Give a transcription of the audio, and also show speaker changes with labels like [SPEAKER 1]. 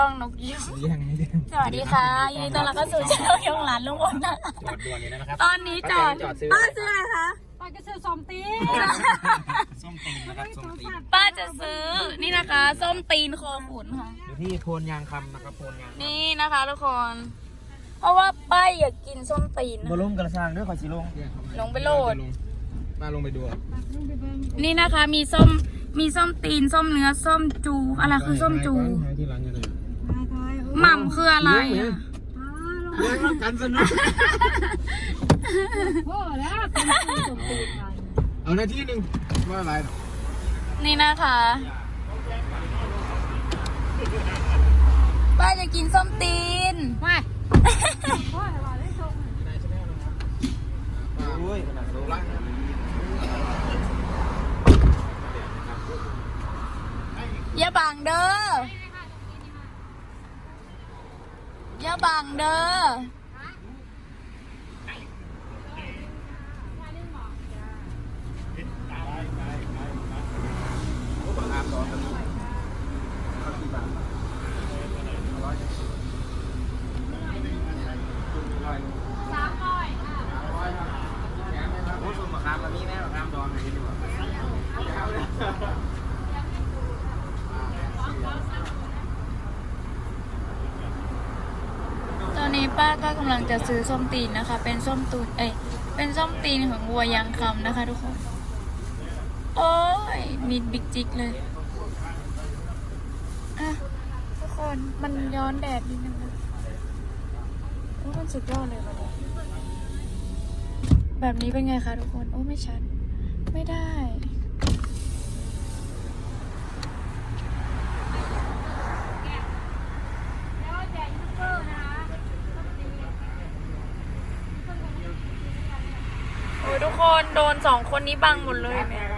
[SPEAKER 1] ต้องนกยิ้มสวัสดีค่ะยินดีต้อนรับเข้าสู่ช่องยงหลานลุงพลนะ
[SPEAKER 2] จอดด่วนนี้นะครับ
[SPEAKER 1] ตอนนี้จอดป้าซื้ออะไรคะ
[SPEAKER 3] ป้าจะซื้อส้มตีน
[SPEAKER 2] ส้มตีนนะครับส้มตีน
[SPEAKER 1] ป้าจะซื้อนี่นะคะ ส้มตีนโคขุนค่ะ
[SPEAKER 2] อยู่ที่โพนยางคำนะครับโพนยาง
[SPEAKER 1] นี่นะคะทุกคน เพราะว่าป้าอยากกินส้มตีน
[SPEAKER 2] บอลงกระซังด้วยขอชิลง
[SPEAKER 1] ลงไปโหลด
[SPEAKER 2] ป้าลงไปดู
[SPEAKER 1] นี่นะคะมีส้มตีนส้มเนื้อส้มจูอะไรคือส้มจู
[SPEAKER 2] ที่ร้านยังไง
[SPEAKER 1] หม่ำคืออะไรอ่ะ
[SPEAKER 2] เลี้ยงรักกันสนุก
[SPEAKER 3] โอ้แล้วเป็นส้มตีนกัน
[SPEAKER 2] เอาหน้าที่หนึ่งว่าอะไรหรอ
[SPEAKER 1] นี่นะคะป้าจะกินส้มตีน
[SPEAKER 3] ไม่โอ้ยว่าได้ส้ม
[SPEAKER 2] โอ้ยขนาดโซล่า
[SPEAKER 1] อย่าบังเด้ออย่าบังเด้อ ตอนนี้ป้าก็กำลังจะซื้อส้มตีนนะคะ เป็นส้มตูนเป็นส้มตีนของวัวยางคำนะคะทุกคน โอ้ยมีบิ๊กจิกเลยอ่ะทุกคนมันย้อนแดดนิดนึงนะโอ้มันสุดยอดเลยวันนี้แบบนี้เป็นไงคะทุกคนโอ้ไม่ชัดไม่ได้โอ้ยทุกคนโดน2 คนนี้บังหมดเลยแม่